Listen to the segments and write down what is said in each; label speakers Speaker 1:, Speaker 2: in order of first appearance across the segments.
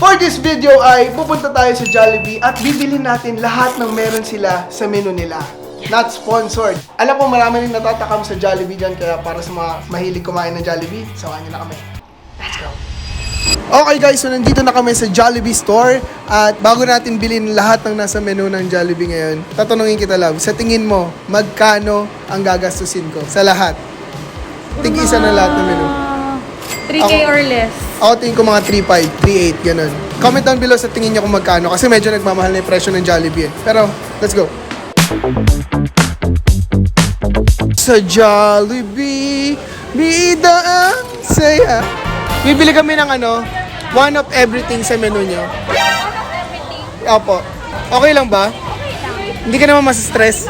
Speaker 1: For this video ay pupunta tayo sa Jollibee at bibilhin natin lahat ng meron sila sa menu nila. Not sponsored. Alam ko marami rin natatakam sa Jollibee dyan, kaya para sa mga mahilig kumain ng Jollibee, samahan nyo na kami. Let's go! Okay guys, so nandito na kami sa Jollibee store at bago natin bilhin lahat ng nasa menu ng Jollibee ngayon, tatanungin kita, love, sa tingin mo, magkano ang gagastusin ko sa lahat? Tig-isa na lahat ng menu.
Speaker 2: 3K or less.
Speaker 1: Ako tingin ko mga 3.5, 3.8, ganun. Comment down below sa tingin niyo kung magkano kasi medyo nagmamahal na yung presyo ng Jollibee eh. Pero, let's go! Sa Jollibee, bida ang saya. Bibili kami ng one of everything sa menu nyo. Opo. Okay lang ba? Hindi ka naman masistress?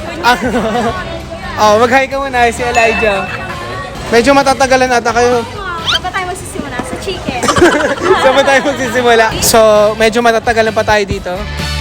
Speaker 1: Mag-hi ka muna si Elijah. Medyo matatagalan ata kayo.
Speaker 2: Saan pa tayo magsisimula? Sa chicken.
Speaker 1: Saan ba tayo magsisimula? So, medyo matatagalan pa tayo dito.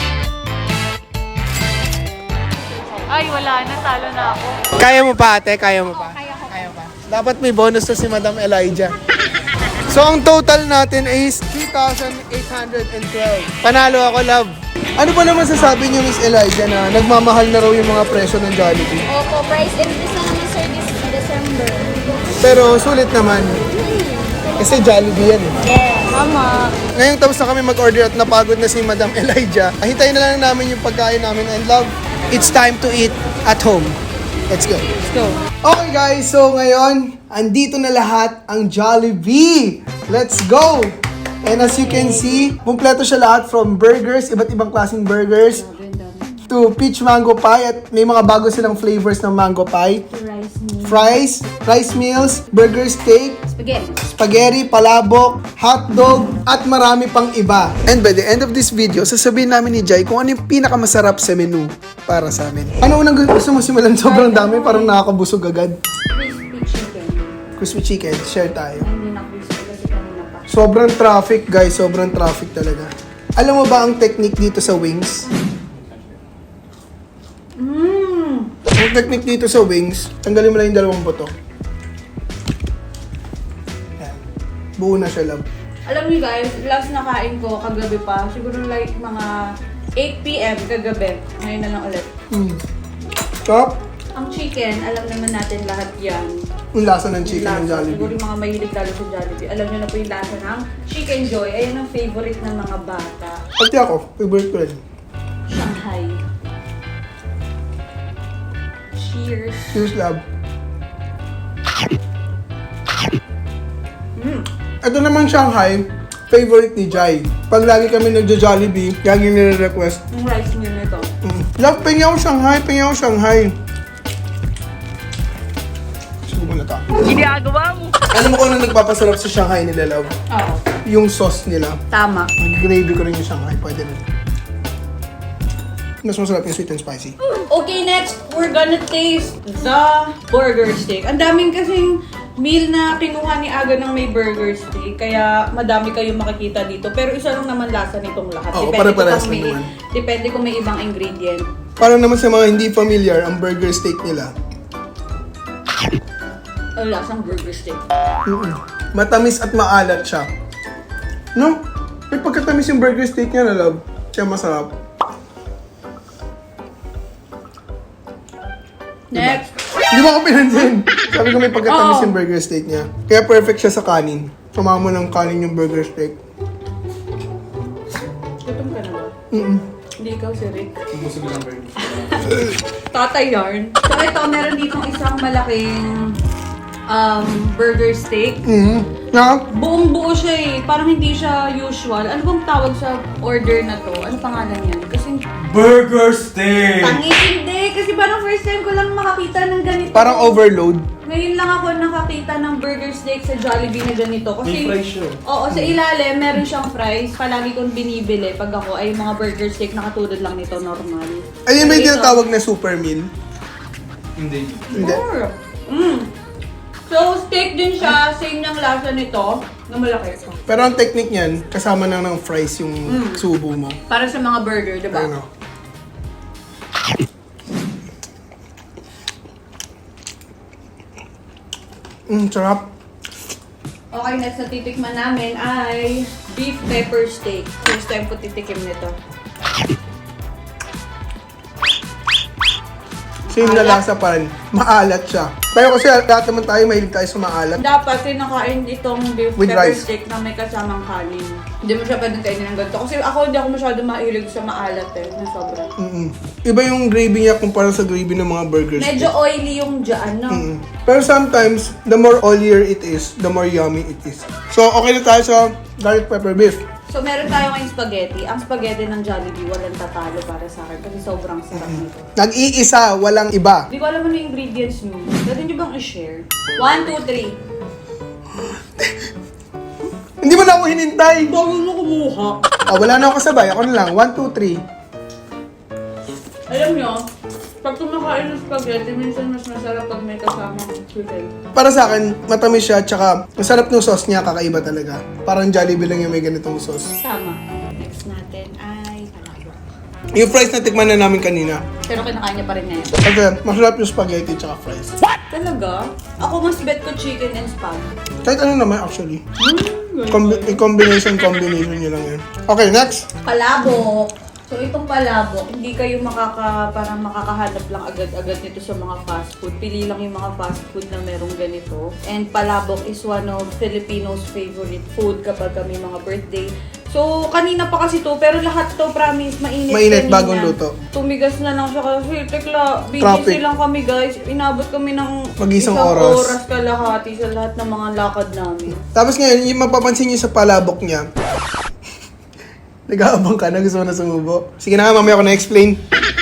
Speaker 2: Ay, wala na. Talo na ako.
Speaker 1: Kaya mo pa, ate? Kaya mo pa?
Speaker 2: Kaya ko.
Speaker 1: Kaya pa. Dapat may bonus to si Madam Elijah. So, ang total natin is 3,812. Panalo ako, love. Ano pa naman sasabi niyo, Miss Elijah, na nagmamahal na raw yung mga presyo ng Jollibee?
Speaker 3: Opo, price increase na naman sir this December.
Speaker 1: Pero sulit naman. Kasi Jollibee yan eh.
Speaker 3: Yes. Tama.
Speaker 1: Ngayon tapos na kami mag-order at napagod na si Madam Elijah. Hintayin na lang namin yung pagkain namin and love. It's time to eat at home. Let's go.
Speaker 2: Let's go.
Speaker 1: Okay guys, so ngayon, andito na lahat ang Jollibee. Let's go! And as you can see, kumpleto siya lahat from burgers, iba't ibang klaseng burgers, to peach mango pie at may mga bago silang flavors ng mango pie.
Speaker 3: Rice meal.
Speaker 1: Fries, rice meals, burger steak,
Speaker 3: Spaghetti.
Speaker 1: spaghetti, palabok, hotdog, at marami pang iba. And by the end of this video, sasabihin namin ni Jai kung ano yung pinakamasarap sa menu para sa amin. Ano unang gusto mo simulan? Sobrang dami, parang nakakabusog agad.
Speaker 3: Crispy chicken.
Speaker 1: Crispy chicken, share tayo.
Speaker 3: Hindi na crispy kasi kanina pa.
Speaker 1: Sobrang traffic guys, sobrang traffic talaga. Alam mo ba ang technique dito sa wings? Ang technique dito sa wings, tanggalin mo lang yung dalawang buto. Yan. Buo na siya, love.
Speaker 2: Alam niyo guys, last na kain ko kagabi pa. Siguro like mga 8 p.m. kagabi. Ngayon na lang ulit.
Speaker 1: Top,
Speaker 2: Ang chicken, alam naman natin lahat yan.
Speaker 1: yung lasa ng chicken ng
Speaker 2: Lasa. Siguro
Speaker 1: Jollibee.
Speaker 2: yung mga mahilig lalo sa Jollibee. Alam niyo na po yung lasa ng Chicken Joy. Ayun ang favorite ng mga bata.
Speaker 1: Pati ako, favorite ko rin.
Speaker 2: Shanghai. Cheers.
Speaker 1: Cheers, love. Ito naman Shanghai, favorite ni Jai. Pag lagi kami nagja-Jollibee, lagi nire-request.
Speaker 2: Yung rice meal nito.
Speaker 1: Love, pengi ako Shanghai, pengi ako Shanghai. Subo na to.
Speaker 2: Ginagawa mo.
Speaker 1: Alam mo kung ano nagpapasarap sa Shanghai nila, love?
Speaker 2: Oo.
Speaker 1: Yung sauce nila.
Speaker 2: Tama.
Speaker 1: Mag-gravy ko rin yung Shanghai, pwede rin. Mas masarap yung sweet and spicy.
Speaker 2: Okay, next, we're gonna taste the burger steak. Ang daming kasing meal na kinuha ni Aga ng may burger steak, kaya madami kayong makikita dito. Pero isa lang naman lasa nitong lahat.
Speaker 1: Oo,
Speaker 2: Depende
Speaker 1: pare-parehas
Speaker 2: kung
Speaker 1: lang naman.
Speaker 2: Depende kung may ibang ingredient.
Speaker 1: Para naman sa mga hindi familiar, ang burger steak nila,
Speaker 2: Ang lasang burger steak.
Speaker 1: matamis at maalat siya. No? May pagkatamis yung burger steak niya na, love. Siya masarap.
Speaker 2: Next.
Speaker 1: Hindi mo ako pinansin. Sabi ko may pagkatamis
Speaker 2: Oo.
Speaker 1: yung burger steak niya. Kaya perfect siya sa kanin. Sumama mo ng kanin yung burger steak.
Speaker 2: Gutom ka na ba? Hindi ikaw si Rick.
Speaker 1: Busog lang burger.
Speaker 2: Tatay yarn. So ito, meron ditong isang malaking burger steak.
Speaker 1: Na?
Speaker 2: Buong buo siya eh. Parang hindi siya usual. Ano bang tawag sa order na to? Ano pangalan yan? Kasi
Speaker 4: Burger steak!
Speaker 2: tangis hindi. Kasi parang first time ko lang makakita ng ganito.
Speaker 1: Parang overload.
Speaker 2: Ngayon lang ako nakakita ng burger steak sa Jollibee na ganito. Kasi,
Speaker 4: May fries siya.
Speaker 2: Oo, sa ilalim meron siyang fries. Palagi kong binibili pag ako ay mga burger steak na katulad lang nito, normal.
Speaker 1: Ayun may
Speaker 2: Dito,
Speaker 1: tinatawag na super meal.
Speaker 4: Hindi.
Speaker 1: Hindi.
Speaker 2: Sure. So, steak din siya. Same ng lasa nito na malaki.
Speaker 1: Pero ang technique niyan, kasama na ng fries yung subo mo.
Speaker 2: Para sa mga burger, di ba?
Speaker 1: Ano? Sarap.
Speaker 2: Okay, next na titikman namin ay beef pepper steak. First time ko titikim nito.
Speaker 1: Same na
Speaker 2: Maalat.
Speaker 1: lasa pa rin. Maalat siya. Pero kasi lahat naman tayo mahilig tayo sa maalat.
Speaker 2: Dapat kinakain itong beef
Speaker 1: With
Speaker 2: pepper
Speaker 1: rice.
Speaker 2: steak na may kasamang kanin. Hindi mo siya pwedeng kainin ng ganito. Kasi ako hindi ako masyado mahilig sa maalat na sobra.
Speaker 1: Iba yung gravy niya kumpara sa gravy ng mga burgers.
Speaker 2: Medyo oily yung dyan, no?
Speaker 1: Pero sometimes, the more oilier it is, the more yummy it is. So, okay na tayo sa garlic pepper beef.
Speaker 2: So, meron tayo ngayong spaghetti. Ang spaghetti ng Jollibee, walang tatalo para sa akin kasi sobrang sarap nito.
Speaker 1: Nag-iisa, walang iba.
Speaker 2: Hindi ko alam ano yung ingredients nyo. Pwede nyo bang i-share? 1, 2, 3.
Speaker 1: Hindi mo na ako hinintay.
Speaker 2: Bago mo kumuha.
Speaker 1: Wala na ako kasabay. Ako na lang. 1, 2, 3.
Speaker 2: Alam nyo, pag kumakain ng spaghetti, minsan mas masarap pag may kasamang chicken.
Speaker 1: Para sa akin, matamis siya. Tsaka, ang sarap ng sauce niya. Kakaiba talaga. Parang Jollibee lang yung may ganitong sauce.
Speaker 2: Tama. Next natin ay palabok.
Speaker 1: Yung fries na tikman na namin kanina.
Speaker 2: Pero kinakain niya pa rin ngayon.
Speaker 1: Kasi, masarap yung spaghetti tsaka fries.
Speaker 2: Talaga? Ako mas bet ko chicken and spag.
Speaker 1: Kahit ano naman, actually. Combination nyo lang yan. Okay, next.
Speaker 2: Palabok. So, itong palabok, hindi kayo parang makakahanap lang agad-agad nito sa mga fast food. Pili lang yung mga fast food na merong ganito. And palabok is one of Filipinos' favorite food kapag may mga birthday. So, kanina pa kasi to, pero lahat to, promise, mainit
Speaker 1: Mainit,
Speaker 2: kanina.
Speaker 1: bagong luto.
Speaker 2: Tumigas na lang siya kasi, tekla,
Speaker 1: Traffic.
Speaker 2: busy lang kami guys. Inabot kami ng
Speaker 1: Mag-isang
Speaker 2: isang
Speaker 1: oras.
Speaker 2: oras kalahati sa lahat ng mga lakad namin.
Speaker 1: Tapos ngayon, yung mapapansin nyo sa palabok niya, nag-aabang ka na, gusto mo na sumubo. Sige na nga, mamaya ako na-explain.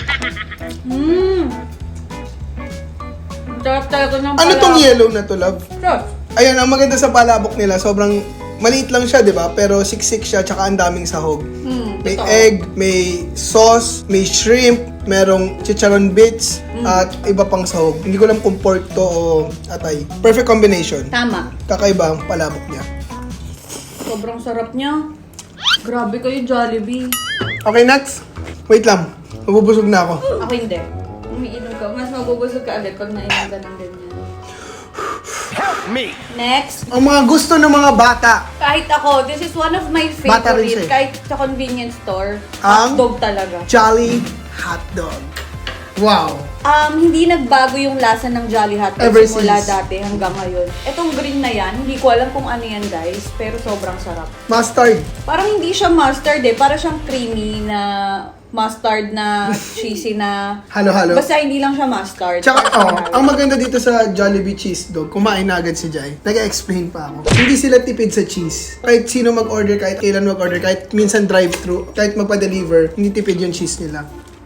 Speaker 2: Sarap talaga ng
Speaker 1: Ano tong yellow na to, love?
Speaker 2: Sarap.
Speaker 1: Ayun, ang maganda sa palabok nila, sobrang maliit lang siya, di ba? Pero siksik siya, tsaka ang daming sahog. May
Speaker 2: totoo.
Speaker 1: egg, may sauce, may shrimp, merong chicharon bits, at iba pang sahog. Hindi ko alam kung pork to o atay. Perfect combination.
Speaker 2: Tama.
Speaker 1: Kakaiba ang palabok niya.
Speaker 2: Sobrang sarap niya. Grabe kayo, Jollibee.
Speaker 1: Okay, next. Wait lang. Mabubusog na ako.
Speaker 2: Ako hindi. Umiinom ka. Mas mabubusog ka agad pag nainom ka ng ganyan.
Speaker 4: Help me!
Speaker 2: Next.
Speaker 1: Ang mga gusto ng mga bata.
Speaker 2: Kahit ako, this is one of my
Speaker 1: Bata rin siya
Speaker 2: favorite.
Speaker 1: eh.
Speaker 2: Kahit sa convenience store,
Speaker 1: Ang?
Speaker 2: hotdog talaga.
Speaker 1: Jolly Hotdog. Wow.
Speaker 2: Hindi nagbago yung lasa ng Jolly Hotdog
Speaker 1: Ever
Speaker 2: simula
Speaker 1: since.
Speaker 2: dati hanggang ngayon. Etong green na yan, hindi ko alam kung ano yan guys, pero sobrang sarap.
Speaker 1: Mustard.
Speaker 2: Parang hindi siya mustard parang siyang creamy na mustard na cheesy na...
Speaker 1: Halo-halo.
Speaker 2: Basta hindi lang siya mustard.
Speaker 1: Tsaka,
Speaker 2: Parang
Speaker 1: ang maganda dito sa Jollibee Cheese Dog, kumain na agad si Jai. Nag-explain pa ako. Hindi sila tipid sa cheese. Kahit sino mag-order, kahit kailan mag-order, kahit minsan drive-thru, kahit magpa-deliver, hindi tipid yung cheese nila.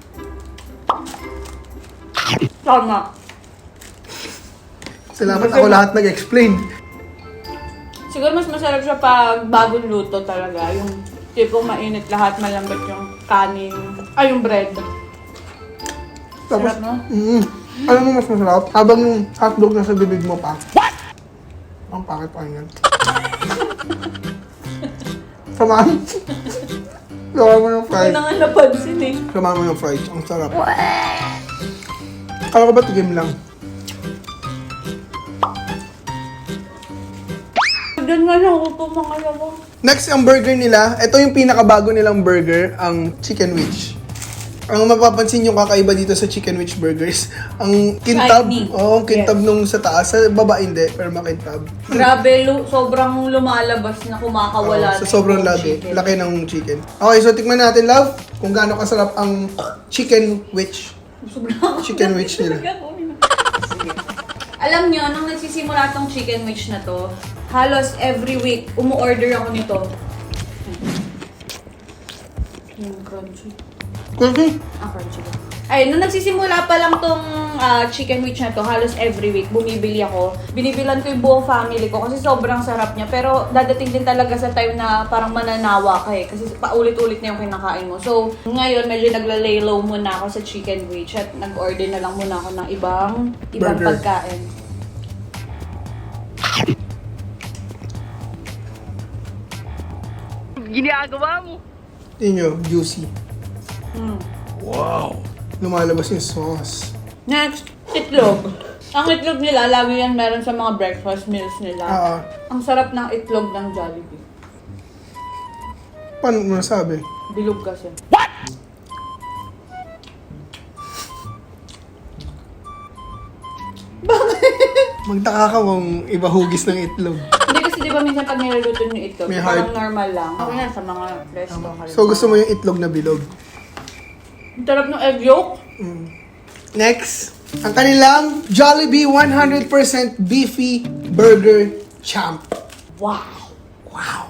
Speaker 2: Tama.
Speaker 1: Salamat ako lahat nag-explain.
Speaker 2: Siguro mas masarap siya pag bagong luto talaga. Yung tipong mainit lahat, malambot yung kanin. Ay, yung bread.
Speaker 1: Tapos,
Speaker 2: Sarap, no?
Speaker 1: alam mo mas masarap? Habang yung hotdog nasa bibig mo pa. What? Ang pakit pa yan. Samahan. Samahan mo yung
Speaker 2: Hindi
Speaker 1: fries.
Speaker 2: na nga napansin eh.
Speaker 1: Samahan mo yung fries. Ang sarap. Kala ko ba tigim lang?
Speaker 2: Diyan nga lang ako po mga lawa.
Speaker 1: Next, ang burger nila. Ito yung pinakabago nilang burger, ang Chicken Witch. Ang mapapansin yung kakaiba dito sa Chicken Witch burgers, ang kintab.
Speaker 2: Shiny.
Speaker 1: Oo, ang kintab nung sa taas. Sa baba hindi, pero makintab.
Speaker 2: Grabe, sobrang lumalabas na kumakawala
Speaker 1: Sa sobrang laki ng chicken. Okay, so tikman natin, love, kung gaano kasarap ang Chicken Witch. Chicken Witch nila.
Speaker 2: Alam nyo, nung nagsisimula tong chicken witch na to, halos every week, umu-order ako nito. Yung crunchy.
Speaker 1: Crunchy.
Speaker 2: Crunchy ba? Ay, nung nagsisimula pa lang tong chicken witch na to, halos every week, bumibili ako. Binibilan ko yung buong family ko kasi sobrang sarap niya. Pero dadating din talaga sa time na parang mananawa ka eh. Kasi paulit-ulit na yung kinakain mo. So, ngayon, medyo nagla-lay low muna ako sa chicken witch at nag-order na lang muna ako ng ibang
Speaker 1: Burger.
Speaker 2: pagkain.
Speaker 3: Ginagawa mo.
Speaker 1: Yun yun, juicy.
Speaker 2: Mm.
Speaker 1: Lumalabas yung sauce.
Speaker 2: Next, itlog. Ang itlog nila, lagi yan meron sa mga breakfast meals nila.
Speaker 1: Oo.
Speaker 2: Ang sarap ng itlog ng Jollibee.
Speaker 1: Paano mo nasabi?
Speaker 2: Bilog kasi.
Speaker 1: Magtaka ka kung iba hugis ng itlog.
Speaker 2: Hindi kasi di ba minsan pag niluluto yung itlog,
Speaker 1: May
Speaker 2: parang
Speaker 1: heart.
Speaker 2: normal lang. Ako yan sa mga resto.
Speaker 1: So gusto mo yung itlog na bilog.
Speaker 2: Ang sarap ng egg yolk.
Speaker 1: Next, ang kanilang Jollibee 100% beefy burger champ.
Speaker 2: Wow!
Speaker 1: Wow.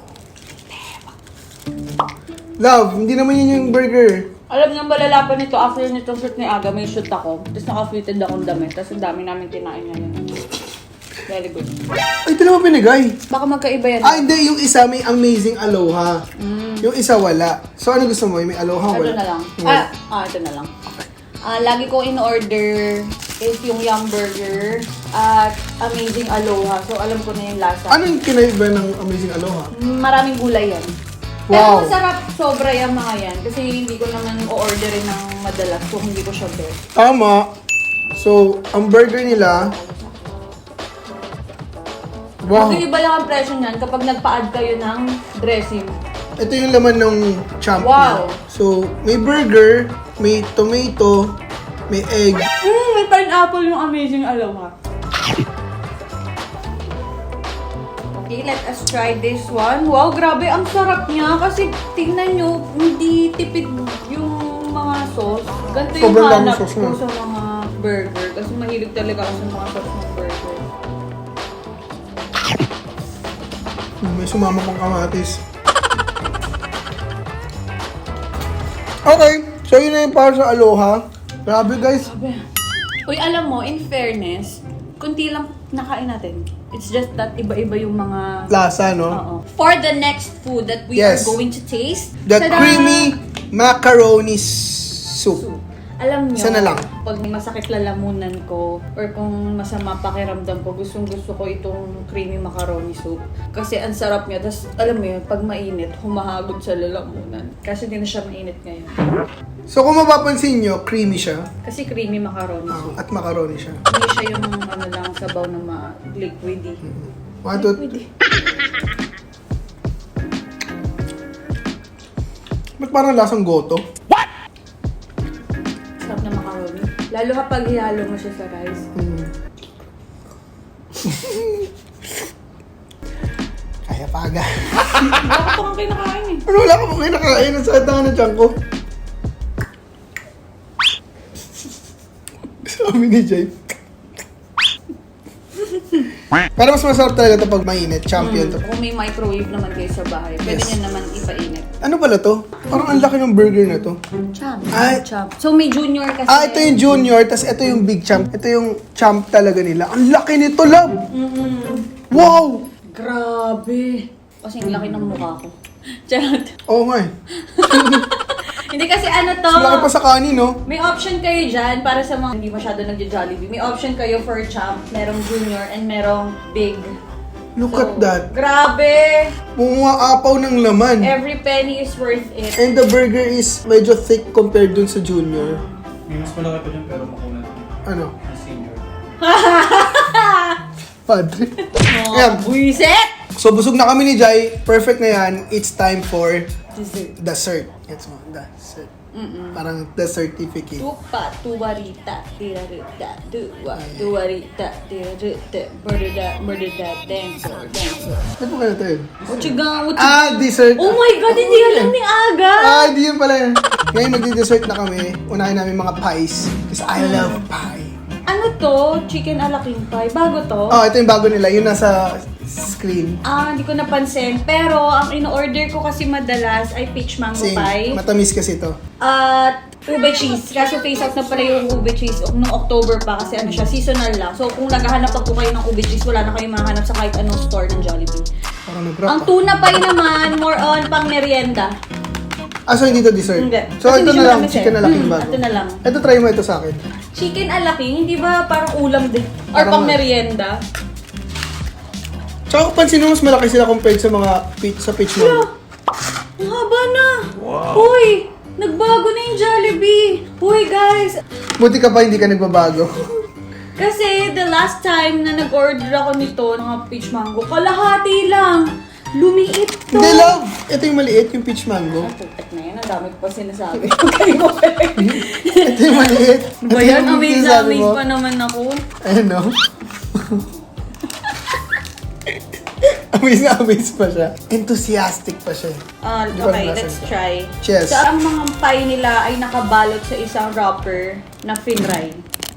Speaker 1: Love, hindi naman yun yung burger.
Speaker 2: Alam niyo, malala pa nito, after nitong shoot ni Aga, may shoot ako. Tapos naka-fitted akong damit. Tapos ang dami namin kinain ngayon. Very good.
Speaker 1: Ay, ito naman binigay.
Speaker 2: Baka magkaiba yan.
Speaker 1: Ah, hindi. Yung isa may amazing aloha. Yung isa wala. So, ano gusto mo? May aloha,
Speaker 2: Ito
Speaker 1: wala?
Speaker 2: na lang.
Speaker 1: Wala.
Speaker 2: Ito na lang. Lagi ko in-order is yung Yum Burger at Amazing Aloha. So, alam ko na yung lasa.
Speaker 1: Ano yung kinaiba ng amazing aloha?
Speaker 2: Maraming gulay yan.
Speaker 1: Wow.
Speaker 2: Pero masarap sobra yung mga yan. Kasi hindi ko naman o-orderin ng madalas. So, hindi ko siya bet.
Speaker 1: Tama. So, ang burger nila... Wow.
Speaker 2: Mag-iiba lang ang presyo niyan kapag nagpa-add kayo ng dressing.
Speaker 1: Ito yung laman ng champ
Speaker 2: Wow.
Speaker 1: niya. So, may burger, may tomato, may egg.
Speaker 2: May pineapple yung Amazing Aloha. Okay, let us try this one. Wow, grabe, ang sarap niya. Kasi tingnan nyo, hindi tipid yung mga sauce. Ganito yung
Speaker 1: Sobrang daming
Speaker 2: hanap
Speaker 1: sauce
Speaker 2: ko
Speaker 1: na.
Speaker 2: sa mga burger. Kasi mahilig talaga ako sa mga sauce ng burger.
Speaker 1: May sumama pang kamatis. Okay, so yun na yung para sa aloha. Grabe guys.
Speaker 2: Uy, alam mo, in fairness, kunti lang nakain natin. It's just that iba-iba yung mga...
Speaker 1: Lasa, no?
Speaker 2: Oo. For the next food that we
Speaker 1: Yes.
Speaker 2: are going to taste,
Speaker 1: The
Speaker 2: tada!
Speaker 1: creamy macaroni soup.
Speaker 2: Alam nyo,
Speaker 1: Isa na lang.
Speaker 2: pag may masakit lalamunan ko or kung masama pakiramdam ko, gustong gusto ko itong creamy macaroni soup. Kasi ang sarap niya. Tapos, alam mo yun, pag mainit, humahagod sa lalamunan. Kasi hindi na siya mainit ngayon.
Speaker 1: So kung mapapansin nyo, creamy siya.
Speaker 2: Kasi creamy macaroni soup.
Speaker 1: At macaroni siya.
Speaker 2: Hindi siya yung ano lang, sabaw na liquidy.
Speaker 1: One, two,
Speaker 2: Liquidy.
Speaker 1: ba't parang lasang goto?
Speaker 2: Sarap na macaroni. Lalo kapag ihalo mo siya sa rice.
Speaker 1: Kaya paga.
Speaker 2: Bakit ko kang kinakain eh?
Speaker 1: Ano, wala ka pang kinakain. Ang sakit na tiyan ko. Sabi ni Jay. Pero mas masarap talaga ito pag mainit. Champion to.
Speaker 2: Kung may microwave naman kayo sa bahay, pwede
Speaker 1: Yes.
Speaker 2: nyo naman ipainit.
Speaker 1: Ano pala to? Parang ang laki ng burger na to.
Speaker 2: Champ.
Speaker 1: Ay.
Speaker 2: Champ. So may junior kasi.
Speaker 1: Ito yung junior, tas ito yung big champ. Ito yung champ talaga nila. Ang laki nito, love! Wow!
Speaker 2: Grabe. Kasi ang laki ng mukha ko. Charot.
Speaker 1: Oo nga eh.
Speaker 2: Hindi kasi ano to.
Speaker 1: Mas laki pa sa kanin, no?
Speaker 2: May option kayo dyan para sa mga hindi masyado nagja-Jollibee. May option kayo for champ, merong junior, and merong big.
Speaker 1: Look at that.
Speaker 2: Grabe!
Speaker 1: Pumaapaw ng laman.
Speaker 2: Every penny is worth it.
Speaker 1: And the burger is medyo thick compared dun sa junior.
Speaker 5: May mas malaki pa dyan pero makunat.
Speaker 1: Ano?
Speaker 5: Ang senior.
Speaker 1: Padre.
Speaker 2: Oh,
Speaker 1: Ayan.
Speaker 2: buisit!
Speaker 1: So busog na kami ni Jai. Perfect na yan. It's time for
Speaker 2: Dessert.
Speaker 1: dessert. Gets mo? Dessert. Parang the certificate.
Speaker 2: Tupa, tuwarita, tirarita, tuwarita, tirarita, murderita, dancer, dancer.
Speaker 1: Ano po kaya tayo?
Speaker 2: Uchigang,
Speaker 1: Dessert.
Speaker 2: Oh my God, hindi alam ni Aga!
Speaker 1: Hindi yun pala yun. Ngayon magdi-dessert na kami. Unahin namin mga pies. Kasi I love pie.
Speaker 2: Ano to? Chicken ala king pie. Bago to?
Speaker 1: Ito yung bago nila. Yun nasa screen.
Speaker 2: Hindi ko napansin. Pero, ang in-order ko kasi madalas ay peach mango
Speaker 1: Same.
Speaker 2: pie.
Speaker 1: Matamis kasi to.
Speaker 2: At ube cheese. Kaso face out na pala yung ube cheese noong October pa kasi ano siya, seasonal lang. So, kung naghahanap pa po kayo ng ube cheese, wala na kayong mahanap sa kahit anong store ng Jollibee.
Speaker 1: Parang nag-rap.
Speaker 2: Ang tuna pie naman, more on pang merienda.
Speaker 1: So hindi to dessert?
Speaker 2: Hindi.
Speaker 1: So
Speaker 2: Kasi
Speaker 1: ito
Speaker 2: hindi
Speaker 1: na
Speaker 2: siya
Speaker 1: lang,
Speaker 2: matamis
Speaker 1: chicken
Speaker 2: eh.
Speaker 1: na lang yung bago.
Speaker 2: Ito na lang.
Speaker 1: Ito, try mo ito sa akin.
Speaker 2: Chicken ala king, hindi ba parang ulam din? Or
Speaker 1: Parang
Speaker 2: pang
Speaker 1: nga.
Speaker 2: merienda?
Speaker 1: Tsaka kung pansin mo, mas malaki sila compared sa mga peach mango.
Speaker 2: Ang haba na! Uy! Nagbago na yung Jollibee! Uy guys!
Speaker 1: Buti ka pa hindi ka nagbabago.
Speaker 2: Kasi the last time na nag-order ako nito, mga peach mango, kalahati lang. Lumiit to.
Speaker 1: Hindi, love. Ito yung maliit, yung peach mango.
Speaker 2: Putak na yan, ang dami ko pa sinasabi. Kayo ko pa.
Speaker 1: Ito yung maliit.
Speaker 2: Ba yan?
Speaker 1: yung
Speaker 2: Amaze na
Speaker 1: sinasabi
Speaker 2: amaze
Speaker 1: mo.
Speaker 2: pa naman ako.
Speaker 1: Ayun, no? Amaze na amaze pa siya. Enthusiastic pa siya. Di ko
Speaker 2: Okay,
Speaker 1: alam
Speaker 2: let's
Speaker 1: nasan
Speaker 2: try.
Speaker 1: Cheers.
Speaker 2: So, ang mga pie nila ay nakabalot sa isang wrapper na finray.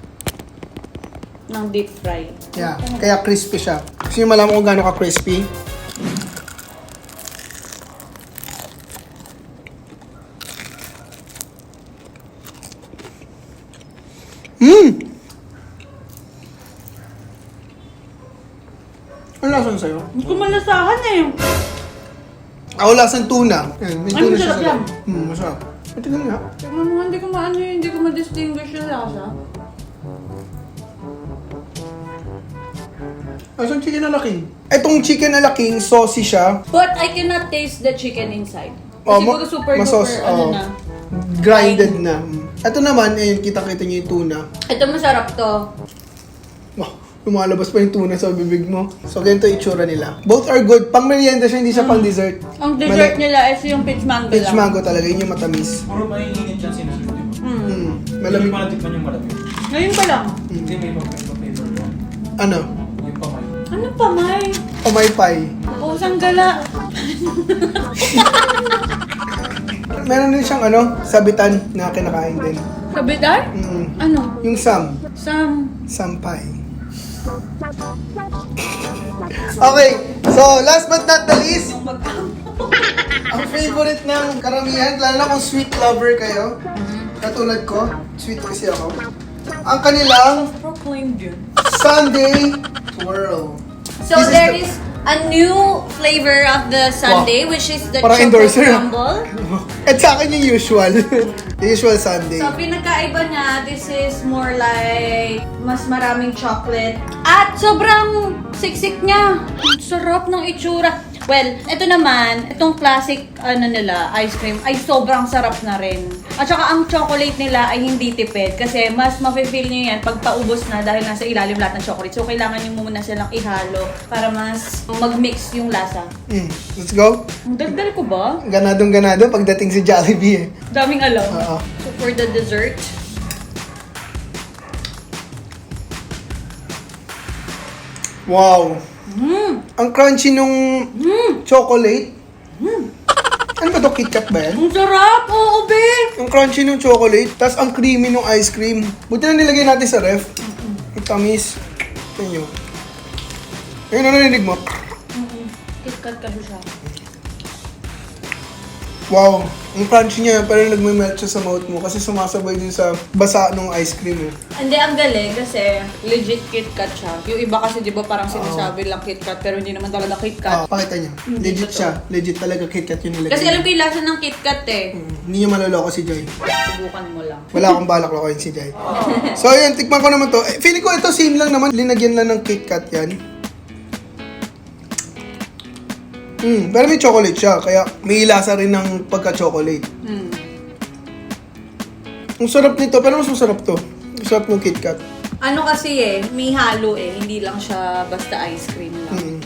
Speaker 2: Ng deep fry.
Speaker 1: Yeah, kaya crispy siya. Gusto nyo malaman kung gaano ka-crispy? Ano lasan sa'yo?
Speaker 2: Hindi ko malasahan eh.
Speaker 1: Ako lasan tuna. Ayan, may
Speaker 2: Ay,
Speaker 1: tuna
Speaker 2: masarap
Speaker 1: sa
Speaker 2: yan.
Speaker 1: loob. Masarap. Ito ganun nga.
Speaker 2: Tignan mo, hindi ko maano yun, hindi ko ma-distinguish yung lasa.
Speaker 1: Asan chicken na laking? Itong chicken na laking, saucy siya.
Speaker 2: But I cannot taste the chicken inside.
Speaker 1: Oh,
Speaker 2: Kasi pag super
Speaker 1: masos,
Speaker 2: duper, ano
Speaker 1: oh.
Speaker 2: na.
Speaker 1: Grinded na. Ito naman, ayun, kita-kita niyo yung tuna.
Speaker 2: Ito masarap to.
Speaker 1: Oh, lumalabas pa yung tuna sa bibig mo. So, ganito yung itsura nila. Both are good. Pang merienda siya, hindi siya pang dessert.
Speaker 2: Ang dessert nila is yung peach mango
Speaker 1: Peach
Speaker 2: lang.
Speaker 1: mango talaga, yun yung matamis.
Speaker 5: Puro mainit yan sinasarap, di ba?
Speaker 1: Malamig.
Speaker 5: Hindi pa natikman yung malamig.
Speaker 2: Ngayon pa lang.
Speaker 5: Hindi, may pa-flavor mo.
Speaker 1: Ano?
Speaker 5: Yung pamay.
Speaker 2: Ano pa, May?
Speaker 1: Pamaypay.
Speaker 2: Pusang gala.
Speaker 1: Meron din siyang ano, sabitan na kinakain din.
Speaker 2: Kabitan?
Speaker 1: Mm.
Speaker 2: Ano?
Speaker 1: Yung
Speaker 2: Sam.
Speaker 1: sampay. Okay, so last but not the least, ang favorite ng karamihan, lalo na kung sweet lover kayo, katulad ko, sweet kasi ako, ang kanilang
Speaker 2: Proclaimed yun.
Speaker 1: Sunday Twirl.
Speaker 2: So
Speaker 1: This is
Speaker 2: there
Speaker 1: the-
Speaker 2: is a new flavor of the sundae, which is the
Speaker 1: Parang
Speaker 2: chocolate
Speaker 1: endorser.
Speaker 2: crumble.
Speaker 1: At sa akin yung usual. The usual Sunday.
Speaker 2: So, pinagkaiba niya, this is more like mas maraming chocolate. At sobrang siksik niya. Ang sarap ng itsura. Well, ito naman, itong classic ano nila, ice cream, ay sobrang sarap na rin. At saka ang chocolate nila ay hindi tipid kasi mas mafe-feel niyo yan pag paubos na dahil nasa ilalim lahat ng chocolate. So, kailangan niyo muna silang ihalo para mas mag-mix yung lasa.
Speaker 1: Let's go.
Speaker 2: Ang dagdal ko ba?
Speaker 1: Ganadong ganado pagdating si Jollibee eh.
Speaker 2: Daming alam.
Speaker 1: Oo.
Speaker 2: So, for the dessert,
Speaker 1: Wow. Ang crunchy nung chocolate. Ano ba to? KitKat ba yan?
Speaker 2: ang sarap! Oo, be!
Speaker 1: Ang crunchy nung chocolate, tas ang creamy nung ice cream. Buti na nilagay natin sa ref. Ang tamis. Tignan nyo. Ayun, ano narinig mo?
Speaker 2: KitKat kasi siya.
Speaker 1: Wow. Ang crunchy niya, parang nagme-melt siya sa mouth mo kasi sumasabay din sa basa nung ice cream eh.
Speaker 2: Hindi, ang galing kasi legit KitKat siya. Yung iba kasi di ba parang sinasabi lang KitKat pero hindi naman talaga KitKat.
Speaker 1: Pakita niya. Legit
Speaker 2: totoo.
Speaker 1: siya. Legit talaga KitKat yung nilagay.
Speaker 2: Kasi alam ko yung lasa ng KitKat eh.
Speaker 1: Hindi niya maloloko si Joy.
Speaker 2: Subukan mo lang.
Speaker 1: Wala akong balak lokohin si Joy. So ayun, tikman ko naman to. Eh, feeling ko ito same lang naman. Linagyan lang ng KitKat yan. Pero may chocolate siya, kaya may lasa rin ng pagka-chocolate. Ang sarap nito, pero mas masarap to. Ang sarap ng KitKat.
Speaker 2: Ano kasi eh, may halo eh. Hindi lang siya basta ice cream lang.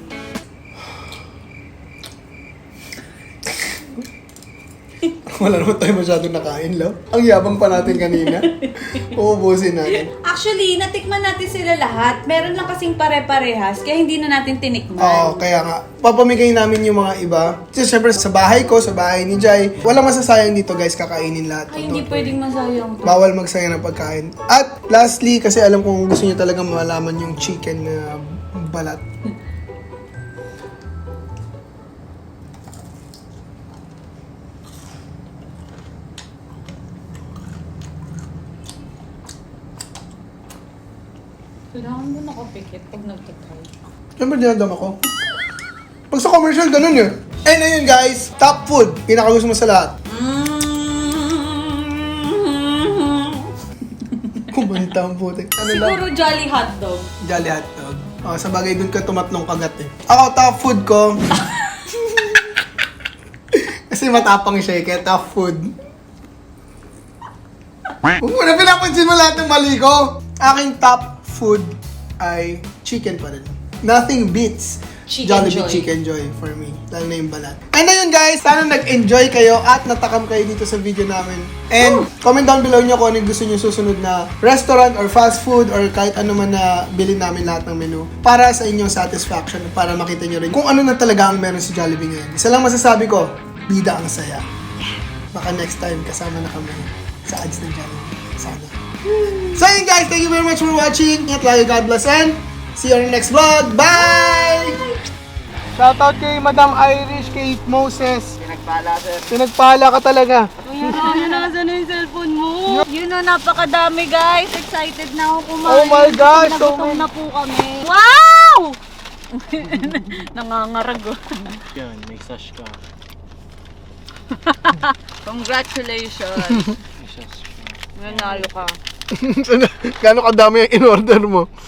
Speaker 1: Wala naman tayo masyadong nakain, lo. Ang yabang pa natin kanina. Uubusin natin.
Speaker 2: Actually, natikman natin sila lahat. Meron lang kasing pare-parehas, kaya hindi na natin tinikman.
Speaker 1: Oo, kaya nga. Papamigay namin yung mga iba. Kasi syempre sa bahay ko, sa bahay ni Jai, walang masasayang dito guys, kakainin lahat.
Speaker 2: Ay, hindi pwedeng masayang to.
Speaker 1: Bawal magsayang ng pagkain. At lastly, kasi alam kong gusto niyo talaga malaman yung chicken na balat.
Speaker 2: Kailangan mo nakapikit pag nagtatry.
Speaker 1: Siyempre dinadama ko. Pag sa commercial, ganun eh. And ayun guys, top food. Pinakagusto mo sa lahat. Kumanta ang putik. Ano lang?
Speaker 2: Siguro Jolly Hotdog.
Speaker 1: Jolly hotdog. Oh, sa bagay dun ka tumatlong kagat eh. Ako, top food ko. Kasi matapang siya eh, kaya top food. Huwag mo na pinapansin mo lahat ng mali ko. Aking top food ay chicken pa rin. Nothing beats
Speaker 2: Chicken
Speaker 1: Jollibee
Speaker 2: Joy.
Speaker 1: Chicken Joy for me. Lalo na yung balat. And ayun guys, sana nag-enjoy kayo at natakam kayo dito sa video namin. And comment down below nyo kung ano yung gusto nyo susunod na restaurant or fast food or kahit ano man na bilhin namin lahat ng menu para sa inyong satisfaction, para makita nyo rin kung ano na talaga ang meron si Jollibee ngayon. Isa lang masasabi ko, bida ang saya. Baka next time kasama na kami sa ads ng Jollibee. Sana. So yun guys, thank you very much for watching. Ingat lagi, God bless, and see you on the next vlog. Bye! Shoutout kay Madam Irish, kay Moses. Pinagpala, sir. Pinagpala ka talaga.
Speaker 3: Yun na, saan yung cellphone mo? Yun na, napakadami guys. Excited na ako kumain.
Speaker 1: Oh my gosh, so
Speaker 3: Nagutom
Speaker 1: many.
Speaker 3: na po kami. Wow! Nangangarag oh.
Speaker 4: Yan, may sash ka.
Speaker 3: Congratulations.
Speaker 4: May sash ka.
Speaker 3: Nanalo ka.
Speaker 1: Gano'ng kadami yung in-order mo?